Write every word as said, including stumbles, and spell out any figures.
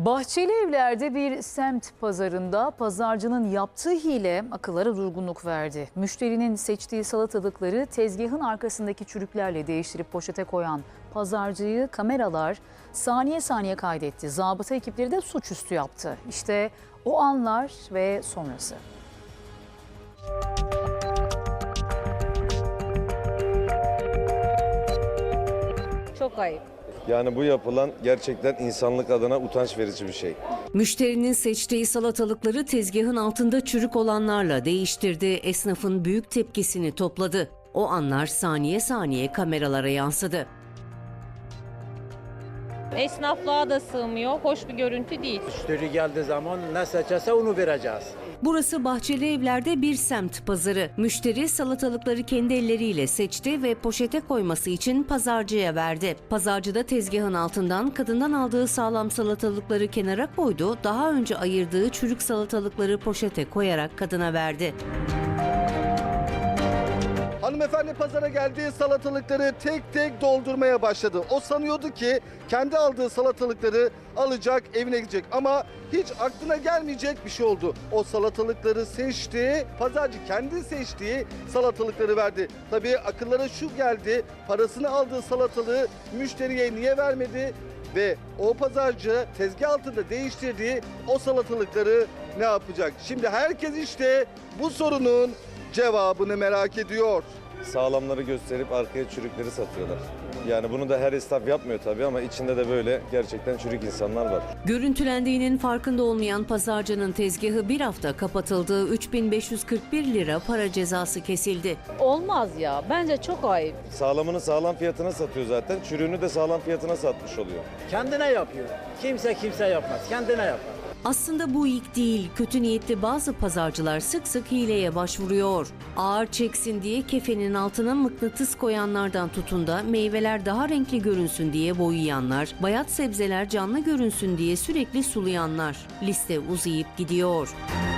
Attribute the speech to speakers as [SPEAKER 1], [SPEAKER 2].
[SPEAKER 1] Bahçeli Evler'de bir semt pazarında pazarcının yaptığı hile akıllara durgunluk verdi. Müşterinin seçtiği salatalıkları tezgahın arkasındaki çürüklerle değiştirip poşete koyan pazarcıyı kameralar saniye saniye kaydetti. Zabıta ekipleri de suçüstü yaptı. İşte o anlar ve sonrası.
[SPEAKER 2] Çok ayıp.
[SPEAKER 3] Yani bu yapılan gerçekten insanlık adına utanç verici bir şey.
[SPEAKER 4] Müşterinin seçtiği salatalıkları tezgahın altında çürük olanlarla değiştirdi. Esnafın büyük tepkisini topladı. O anlar saniye saniye kameralara yansıdı.
[SPEAKER 2] Esnaflığa da sığmıyor. Hoş bir görüntü değil.
[SPEAKER 5] Müşteri geldiği zaman ne seçerse onu vereceğiz.
[SPEAKER 4] Burası Bahçeli Evler'de bir semt pazarı. Müşteri salatalıkları kendi elleriyle seçti ve poşete koyması için pazarcıya verdi. Pazarcı da tezgahın altından kadından aldığı sağlam salatalıkları kenara koydu. Daha önce ayırdığı çürük salatalıkları poşete koyarak kadına verdi.
[SPEAKER 6] Hanımefendi pazara geldiği salatalıkları tek tek doldurmaya başladı. O sanıyordu ki kendi aldığı salatalıkları alacak, evine gidecek ama hiç aklına gelmeyecek bir şey oldu. O salatalıkları seçti, pazarcı kendi seçtiği salatalıkları verdi. Tabii akıllara şu geldi, parasını aldığı salatalığı müşteriye niye vermedi? Ve o pazarcı tezgah altında değiştirdiği o salatalıkları ne yapacak? Şimdi herkes işte bu sorunun cevabını merak ediyor.
[SPEAKER 3] Sağlamları gösterip arkaya çürükleri satıyorlar. Yani bunu da her esnaf yapmıyor tabii ama içinde de böyle gerçekten çürük insanlar var.
[SPEAKER 4] Görüntülendiğinin farkında olmayan pazarcının tezgahı bir hafta kapatıldı. üç bin beş yüz kırk bir lira para cezası kesildi.
[SPEAKER 2] Olmaz ya. Bence çok ayıp.
[SPEAKER 3] Sağlamını sağlam fiyatına satıyor zaten. Çürüğünü de sağlam fiyatına satmış oluyor.
[SPEAKER 5] Kendine yapıyor. Kimse kimse yapmaz. Kendine yapar.
[SPEAKER 4] Aslında bu ilk değil. Kötü niyetli bazı pazarcılar sık sık hileye başvuruyor. Ağır çeksin diye kefenin altına mıknatıs koyanlardan tutun da meyveler daha renkli görünsün diye boyayanlar, bayat sebzeler canlı görünsün diye sürekli sulayanlar. Liste uzayıp gidiyor.